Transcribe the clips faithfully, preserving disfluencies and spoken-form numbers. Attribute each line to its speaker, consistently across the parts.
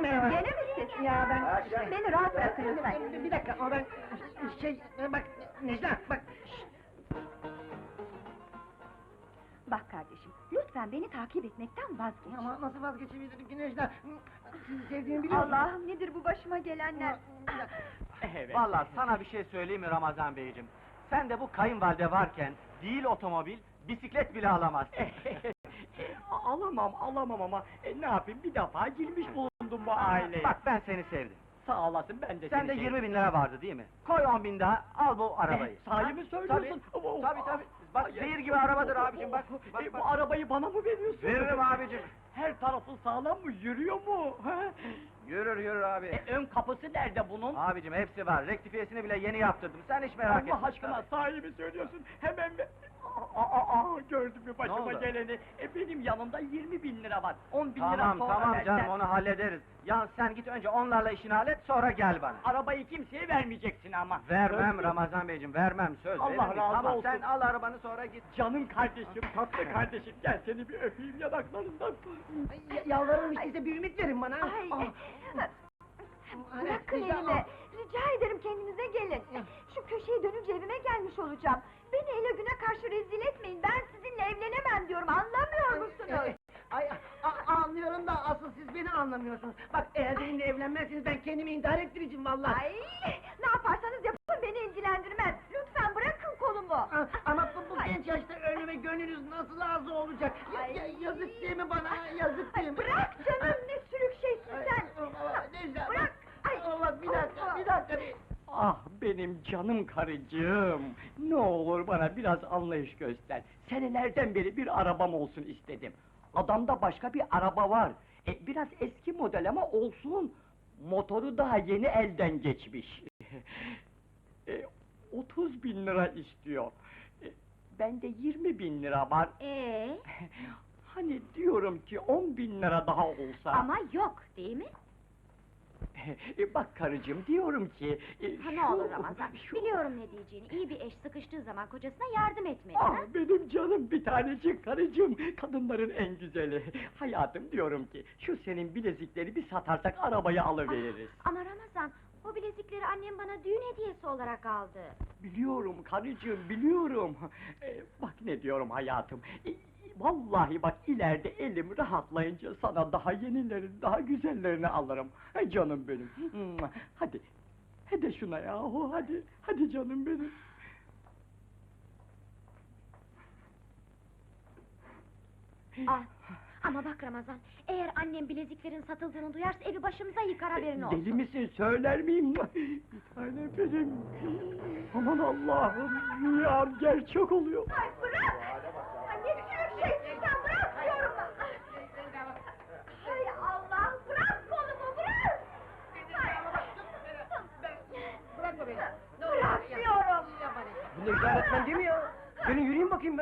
Speaker 1: merhaba.
Speaker 2: Gene mi siz?
Speaker 1: Ya ben...
Speaker 2: Beni rahat bırakın lütfen.
Speaker 1: Bir, bir dakika, o ben... Şey, bak, Necla, bak...
Speaker 2: Bak kardeşim, lütfen beni takip etmekten vazgeç.
Speaker 1: Ama nasıl vazgeçebilirim ki Necla? Sizi sevdiğimi biliyor musun?
Speaker 2: Allah'ım, nedir bu başıma gelenler?
Speaker 3: Evet. Vallahi sana bir şey söyleyeyim mi Ramazan beyciğim? Sen de bu kayınvalide varken, değil otomobil, bisiklet bile alamazsın.
Speaker 4: Alamam, alamam ama e, ne yapayım, bir defa girmiş bulundum bu aileye.
Speaker 3: Bak ben seni sevdim.
Speaker 4: Sağ olasın, ben de
Speaker 3: Sende
Speaker 4: seni
Speaker 3: yirmi
Speaker 4: sevdim.
Speaker 3: bin lira vardı değil mi? Koy on bin daha, al bu arabayı.
Speaker 4: Eh, sahi mi söylüyorsun?
Speaker 3: Tabii,
Speaker 4: Oh,
Speaker 3: tabii tabii. Bak
Speaker 4: ay,
Speaker 3: zehir gibi arabadır abicim, bak. bak,
Speaker 4: E,
Speaker 3: bak.
Speaker 4: Bu arabayı bana mı veriyorsun?
Speaker 3: Veririm abicim.
Speaker 4: Her tarafı sağlam mı, yürüyor mu? ha?
Speaker 3: Yürür yürür abi.
Speaker 4: E, ön kapısı nerede bunun?
Speaker 3: Abicim hepsi var, rektifiyesini bile yeni yaptırdım, sen hiç merak etme.
Speaker 4: Allah aşkına, sahi mi söylüyorsun? Hemen mi? Aa, aa, aa, gördün mü başıma
Speaker 3: oldu?
Speaker 4: geleni? E, benim yanımda yirmi bin lira var, on bin lira
Speaker 3: Tamam
Speaker 4: sonra
Speaker 3: tamam
Speaker 4: versen-
Speaker 3: canım, onu hallederiz. Ya sen git önce onlarla işini hallet, sonra gel bana.
Speaker 4: Arabayı kimseye vermeyeceksin ama.
Speaker 3: Vermem
Speaker 4: Söz mü?
Speaker 3: Ramazan beyciğim, vermem, söz
Speaker 4: Allah
Speaker 3: veririm.
Speaker 4: razı
Speaker 3: Tamam,
Speaker 4: olsun.
Speaker 3: sen al arabanı sonra git.
Speaker 4: Canım kardeşim, tatlı kardeşim, gel seni bir öpeyim yanaklarından.
Speaker 1: Ya- Yalvarırım işte, size bir ümit verin bana.
Speaker 2: Ay,
Speaker 1: Ah,
Speaker 2: bırakın
Speaker 1: Necla,
Speaker 2: elimi.
Speaker 1: ah.
Speaker 2: Rica ederim kendinize gelin. Şu köşeyi dönünce evime gelmiş olacağım. Beni ele güne karşı rezil etmeyin. Ben sizinle evlenemem diyorum. Anlamıyor musunuz?
Speaker 1: Ay, a- anlıyorum da asıl siz beni anlamıyorsunuz. Bak eğer benimle evlenmezseniz ben kendimi intihar ettireceğim vallahi.
Speaker 2: Ay, ne yaparsanız yapın beni ilgilendirmez. Lütfen bırakın kolumu.
Speaker 1: A- Ama bu, bu
Speaker 2: Ay.
Speaker 1: genç yaşta ölmeme gönlünüz nasıl razı olacak? Ya-
Speaker 2: Ay.
Speaker 1: ya- yazık değil mi bana, yazık değil
Speaker 2: Ay,
Speaker 1: mi?
Speaker 2: bırak canım, ne sürük şeysin
Speaker 1: Ay,
Speaker 2: sen.
Speaker 1: Allah, Necla,
Speaker 2: Bırak. Ay.
Speaker 1: Allah, bir dakika,
Speaker 2: Allah.
Speaker 1: bir dakika.
Speaker 4: Ah benim canım karıcığım! Ne olur bana biraz anlayış göster. Senelerden beri bir arabam olsun istedim. Adamda başka bir araba var. E, biraz eski model ama olsun. Motoru daha yeni elden geçmiş. e, otuz bin lira istiyor. E, bende yirmi bin lira var.
Speaker 2: Ee,
Speaker 4: Hani diyorum ki on bin lira daha olsa...
Speaker 2: ama yok değil mi?
Speaker 4: E, bak karıcığım, diyorum ki... e,
Speaker 2: Ha, ne
Speaker 4: şu-
Speaker 2: olur Ramazan,
Speaker 4: şu-
Speaker 2: biliyorum ne diyeceğini. İyi bir eş sıkıştığı zaman kocasına yardım etmeli.
Speaker 4: Ah
Speaker 2: ha?
Speaker 4: benim canım bir tanecik karıcığım, kadınların en güzeli. Hayatım, diyorum ki, şu senin bilezikleri bir satarsak arabayı alıveririz.
Speaker 2: Ah, ama Ramazan, o bilezikleri annem bana düğün hediyesi olarak aldı.
Speaker 4: Biliyorum karıcığım, biliyorum. E, bak ne diyorum hayatım. E, vallahi bak, ileride elim rahatlayınca sana daha yenilerini, daha güzellerini alırım. Ay canım benim. Mua! Hadi, hadi şuna yahu, hadi, hadi canım benim.
Speaker 2: Ah, ama bak Ramazan, eğer annem bileziklerin satıldığını duyarsa evi başımıza yıkar, haberin olsun.
Speaker 4: Deli misin, söyler miyim? Bir tane benim. Aman Allah'ım, rüyam gerçek oluyor.
Speaker 2: Ay bırak! Ay ne sürük şeysin sen, bırak diyorum! Hay Allah, bırak kolumu, bırak!
Speaker 1: Bırakma beni.
Speaker 2: Bırak diyorum!
Speaker 1: Bu Necla öğretmen değil mi ya? Gelin yürüyeyim bakayım ben.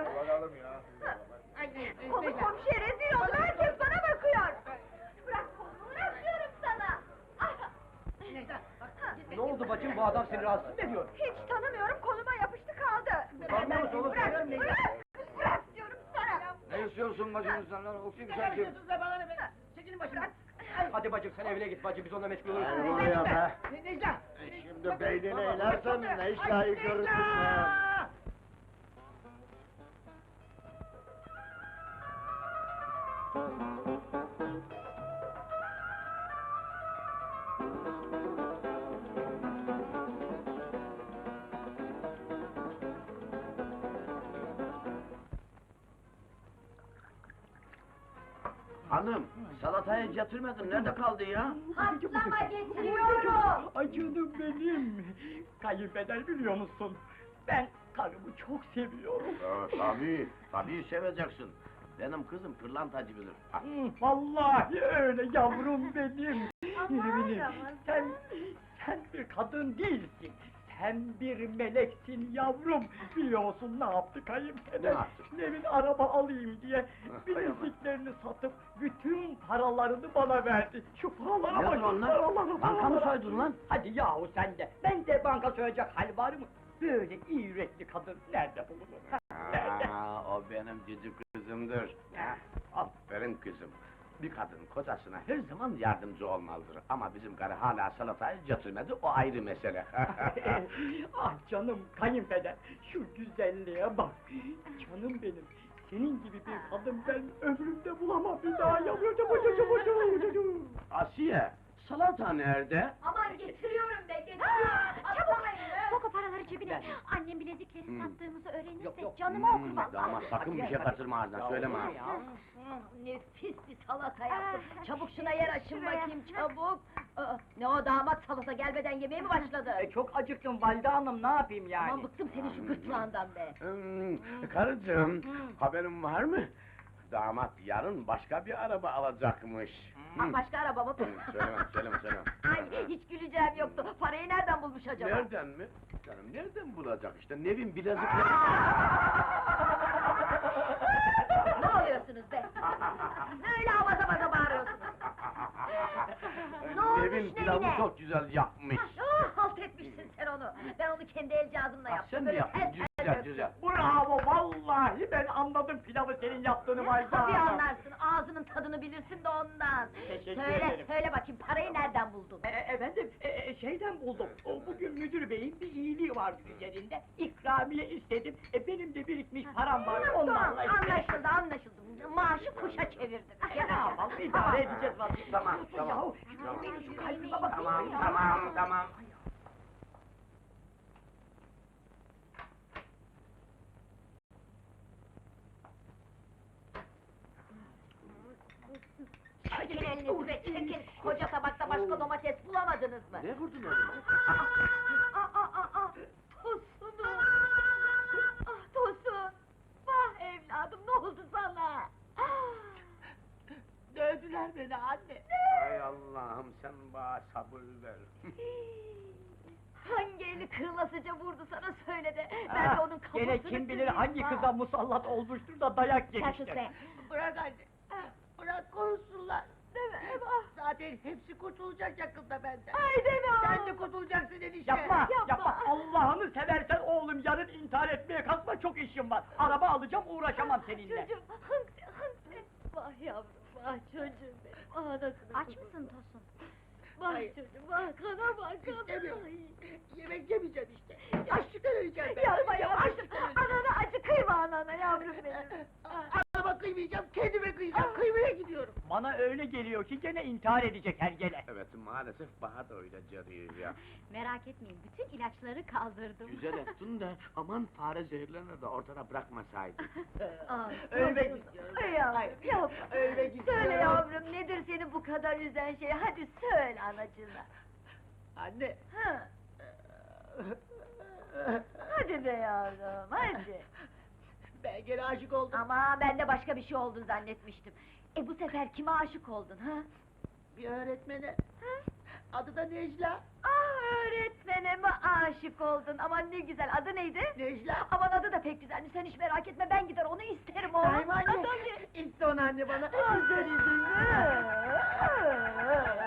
Speaker 2: Kolu komşuya rezil oldu, herkes bana bakıyor! Bırak kolumu, bırak diyorum sana! Ah!
Speaker 1: Ne oldu bacım, bu adam seni rahatsız mı ediyor?
Speaker 2: Hiç tanımıyorum, koluma yapıştı kaldı!
Speaker 1: Utanmıyor musun oğlum?
Speaker 2: Bırak,
Speaker 1: Söylerim Necla.
Speaker 2: bırak! Bırak diyorum sana!
Speaker 3: Ne istiyorsun bacım sen lan? Okuyayım
Speaker 1: Ne yapıyorsunuz be, bana ne be? Çekilin başımdan.
Speaker 5: Hadi bacım, sen evine git bacım, biz onunla meşgul oluruz.
Speaker 1: Ay,
Speaker 5: buraya
Speaker 1: Necla!
Speaker 5: be.
Speaker 1: Ne- Necla!
Speaker 5: E, şimdi beynine inersen ne iş layık görürsün be.
Speaker 6: Hanım, salatayı getirmedin, nerede kaldı ya?
Speaker 2: Patlama getiriyorum!
Speaker 4: Ay canım benim! Kayınpeder, biliyor musun? Ben karımı çok seviyorum.
Speaker 6: Ee, tabii, tabii seveceksin. Benim kızım pırlantacı bilir. Ha,
Speaker 4: Hı, vallahi öyle yavrum benim!
Speaker 2: Aman
Speaker 4: Benim,
Speaker 2: Ramazan.
Speaker 4: sen, sen bir kadın değilsin! Sen bir meleksin yavrum! Biliyor musun ne yaptı kayınpeder?
Speaker 6: Ne yaptı?
Speaker 4: Nevin araba alayım diye
Speaker 6: Ah, hay Allah.
Speaker 4: bileziklerini satıp bütün paralarını bana verdi. Şu paralara
Speaker 6: Nedir
Speaker 4: bak!
Speaker 6: onlar?
Speaker 4: paralara,
Speaker 6: Banka mı
Speaker 4: paralara.
Speaker 6: soydun lan?
Speaker 4: Hadi yahu sen de! Ben de banka soyacak hal var mı? Böyle iyi yürekli kadın nerede bulunur? ha? Nerede?
Speaker 6: Aa, o benim cici kızımdır. Ha, aferin kızım. Bir kadın kocasına her zaman yardımcı olmalıdır. Ama bizim karı hala salatayı götürmedi, o ayrı mesele.
Speaker 4: Ah canım kayınpeder, şu güzelliğe bak! Canım benim, senin gibi bir kadın ben ömrümde bulamam bir daha yalıyor çabuk.
Speaker 6: Asiye, salata nerede?
Speaker 2: Aman getiriyorum be, getiriyorum! Çabuk!
Speaker 7: Sok o paraları cebine.
Speaker 4: Ver.
Speaker 7: Annem bilezikleri
Speaker 6: Hmm.
Speaker 7: sattığımızı öğrenirse
Speaker 4: Yok, yok.
Speaker 7: canıma okur
Speaker 6: Hmm,
Speaker 7: vallahi.
Speaker 6: damat sakın bir şey kaçırma ağzından, söyleme ha.
Speaker 2: Nefis bir salata yaptım. Çabuk şuna yer açın
Speaker 7: Şuraya.
Speaker 2: bakayım, çabuk! Aa, ne o damat salata gelmeden yemeğe mi başladı?
Speaker 4: E, çok acıktım valide hanım, ne yapayım yani?
Speaker 2: Aman bıktım senin şu gırtlağından be!
Speaker 6: Hmm, karıcığım, haberin var mı? Damat yarın başka bir araba alacakmış.
Speaker 2: Aa, başka araba mı?
Speaker 6: Hmm, söyleme, söyleme, söyleme.
Speaker 2: Ay, hiç güleceğim yoktu. Parayı nereden bulmuş acaba?
Speaker 6: Nereden mi? Canım nereden bulacak işte, Nevin bilezikleri...
Speaker 2: Ne oluyorsunuz be? Öyle avaza avaza bağırıyorsunuz. Ne olmuş
Speaker 6: Nevin pilavı
Speaker 2: Nevin'e?
Speaker 6: çok güzel yapmış.
Speaker 2: Ah, halt etmişsin sen onu. Ben onu kendi el cihazımla
Speaker 6: Ah,
Speaker 2: yaptım.
Speaker 6: sen mi
Speaker 2: Böyle
Speaker 6: yaptın?
Speaker 2: tel tel
Speaker 6: Güzel,
Speaker 2: döktüm.
Speaker 6: güzel.
Speaker 4: Bravo, vallahi ben anladım pilavı senin yaptığını valide
Speaker 2: Tabii
Speaker 4: hanım.
Speaker 2: anlarsın, ağzının tadını bilirsin de ondan.
Speaker 4: Teşekkür
Speaker 2: söyle,
Speaker 4: ederim.
Speaker 2: söyle bakayım, parayı nereden buldun?
Speaker 4: E, efendim, e, e, şeyden buldum. O, bugün müdür beyin bir iyiliği vardı üzerinde. İkramiye istedim. E, benim de birikmiş param var.
Speaker 2: Tamam,
Speaker 4: Onlarla işte.
Speaker 2: anlaşıldı, anlaşıldı. Maaşı kuşa çevirdin.
Speaker 4: Ne yapalım, idare edeceğiz vazgeçtik.
Speaker 6: Tamam, tamam.
Speaker 4: Yahu,
Speaker 6: Tamam.
Speaker 4: şu kalbime bak.
Speaker 6: Tamam,
Speaker 4: ya.
Speaker 6: tamam, tamam.
Speaker 2: Çekin elinizi be, çekin! Koca tabakta başka domates bulamadınız mı?
Speaker 6: Ne vurdun elini?
Speaker 2: Aa, aa, aa, aa! Tosunum! Ah Tosun! Vah evladım, ne oldu sana?
Speaker 1: Dövdüler beni anne.
Speaker 6: Ay Allah'ım sen bana sabır ver.
Speaker 2: Hangi eli kırılasıca vurdu sana söyle de, ben de
Speaker 4: Ah,
Speaker 2: onun kafasını
Speaker 4: gene kim bilir
Speaker 2: kırayım,
Speaker 4: hangi
Speaker 2: ha.
Speaker 4: kıza musallat olmuştur da dayak
Speaker 2: Sen sus
Speaker 4: yemiştir.
Speaker 2: be!
Speaker 1: Bırak anne. Bırak konuşsunlar.
Speaker 2: Deme Eva!
Speaker 1: Zaten hepsi kurtulacak yakında benden.
Speaker 2: Ay deme o!
Speaker 1: Sen de kurtulacaksın enişte.
Speaker 4: Yapma,
Speaker 2: Yapma.
Speaker 4: yapma, Allah'ını seversen oğlum yarın intihar etmeye kalkma, çok işim var. Araba alacağım, uğraşamam seninle.
Speaker 2: Çocuğum, hınt, hınt! Vah yavrum, vah çocuğum benim, ah anasını
Speaker 7: Aç
Speaker 2: kurban.
Speaker 7: mısın Tosun?
Speaker 2: Vah
Speaker 1: Hayır.
Speaker 2: çocuğum, vah kana bak, kana!
Speaker 1: İstemiyorum.
Speaker 2: Ay.
Speaker 1: Yemek yemeyeceğim işte. Açlıktan öleceğim ben.
Speaker 2: Yapma
Speaker 1: Öleceğim,
Speaker 2: yavrum,
Speaker 1: açlıktan öleceğim.
Speaker 2: anana acı kıyma anana yavrum benim!
Speaker 1: Anama kıymayacağım, kendime kıyacağım.
Speaker 2: Ah.
Speaker 1: Kıymaya gidiyorum.
Speaker 4: Bana öyle geliyor ki gene intihar edecek her gele.
Speaker 6: Evet maalesef bana da öyle geliyor ya.
Speaker 7: Merak etmeyin, bütün ilaçları kaldırdım.
Speaker 6: Güzel ettin de aman fare zehirlerini de ortada bırakmasaydın.
Speaker 2: Ah,
Speaker 1: Ölmek
Speaker 2: çocuğum.
Speaker 1: istiyorum.
Speaker 2: Ay yavrum,
Speaker 1: Hayır,
Speaker 2: yapma!
Speaker 1: ölmek istiyorum.
Speaker 2: Söyle yavrum, nedir seni bu kadar üzen şey? Hadi söyle anacığına!
Speaker 1: Anne.
Speaker 2: Ha? Hadi be yavrum, hadi!
Speaker 1: Ben gene aşık oldum.
Speaker 2: Ama ben de başka bir şey oldun zannetmiştim. E bu sefer kime aşık oldun ha?
Speaker 1: Bir öğretmene.
Speaker 2: Ha?
Speaker 1: Adı da Necla.
Speaker 2: Ah öğretmene mi aşık oldun? Aman ne güzel, adı neydi?
Speaker 1: Necla.
Speaker 2: Aman adı da pek güzelmiş, sen hiç merak etme, ben gider onu isterim oğlum.
Speaker 1: Sahi mi anne?
Speaker 2: Tabii.
Speaker 1: İşte onu anne bana.
Speaker 2: Güzel izin.